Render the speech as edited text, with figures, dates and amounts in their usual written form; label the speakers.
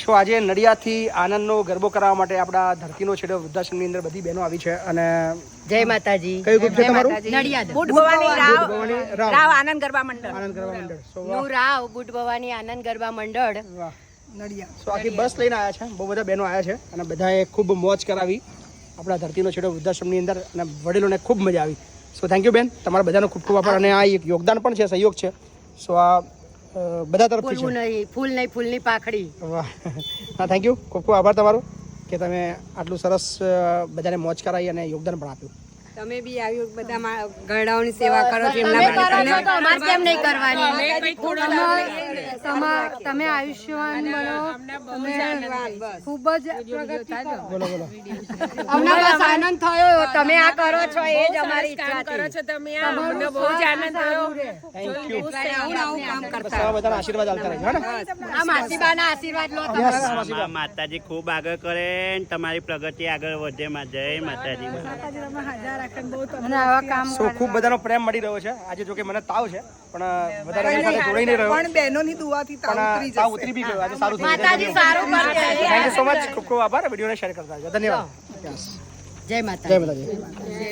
Speaker 1: સો આજે નડિયાદથી આનંદનો ગરબો કરાવવા માટે આપણા ધરતીનો છેડો વૃદ્ધાશ્રમની અંદર બધી બહેનો આવી છે અને
Speaker 2: જય માતાજી.
Speaker 1: કયું ગ્રુપ છે તમારું?
Speaker 2: નડિયાદ
Speaker 3: બુટ ભવાની
Speaker 1: રાવ
Speaker 3: રાવ આનંદ ગરબા મંડળ.
Speaker 1: આનંદ ગરબા મંડળ. સો
Speaker 2: નું રાવ બુટ ભવાની આનંદ ગરબા મંડળ
Speaker 1: વાહ.
Speaker 3: નડિયાદ.
Speaker 1: સો આખી બસ લઈને આવ્યા છે, બહુ બધા બહેનો આવ્યા છે અને બધાએ ખૂબ મોજ કરાવી આપણા ધરતીનો છેડો વૃદ્ધાશ્રમની અંદર અને વડીલોને ખૂબ મજા આવી. સો થેન્ક યુ બેન, તમારા બધાનો ખૂબ ખૂબ આભાર. અને આ એક યોગદાન પણ છે, સહયોગ છે. સો આ બધા તરફથી
Speaker 2: ફૂલ
Speaker 1: છે.
Speaker 2: નહીં, ફૂલ નહીં, ફૂલની પાખડી.
Speaker 1: વાહ, હા થેન્ક યુ, ખૂબ ખૂબ આભાર તમારો કે તમે આટલું સરસ બધાને મોજ કરાવી અને યોગદાન પણ આપ્યું.
Speaker 3: તમે બી આવ્યું બધા ગરડાઓની સેવા કરો છો
Speaker 2: તમે કરો છો તો અમારે કેમ નહીં કરવાની?
Speaker 4: તમે આયુષ્યવાન બનો, તમે ખૂબ જ પ્રગતિ કરો.
Speaker 1: બોલો બોલો.
Speaker 2: અમને બસ આનંદ થયો, તમે આ કરો છો એ જ અમારી ઈચ્છા
Speaker 3: કરો
Speaker 2: છે.
Speaker 3: છો તમે બહુ જ આનંદ થયો.
Speaker 1: Thank you.
Speaker 3: આવું કામ
Speaker 1: બસ
Speaker 3: કરતા
Speaker 1: આવા બધાના આશીર્વાદ આલતા રહેજો. હે ને?
Speaker 2: આ માસીબાના આશીર્વાદ લો તમે.
Speaker 5: માતાજી ખૂબ આગળ કરે ને તમારી પ્રગતિ આગળ વધે. જય માતાજી.
Speaker 4: અને આવા કામ
Speaker 1: સો ખૂબ બધાનો પ્રેમ મળી રહ્યો છે. આજે જો કે મને તાવ છે પણ વધારે એની સાથે જોડાઈ નહીં રહ્યો,
Speaker 3: પણ બહેનોની દુઆથી તાવ
Speaker 1: પણ
Speaker 3: ઉતરી
Speaker 1: તાવ
Speaker 3: જશે.
Speaker 1: ઉતરી બી ગયો. આજે સારું થયું.
Speaker 2: માતાજી સારું કરશે.
Speaker 1: Thank you so much. ખૂબ ખૂબ આભાર. વિડીયોને શેર કરતા રહેજો. ધન્યવાદ.
Speaker 2: જય માતા.
Speaker 1: જય માતાજી.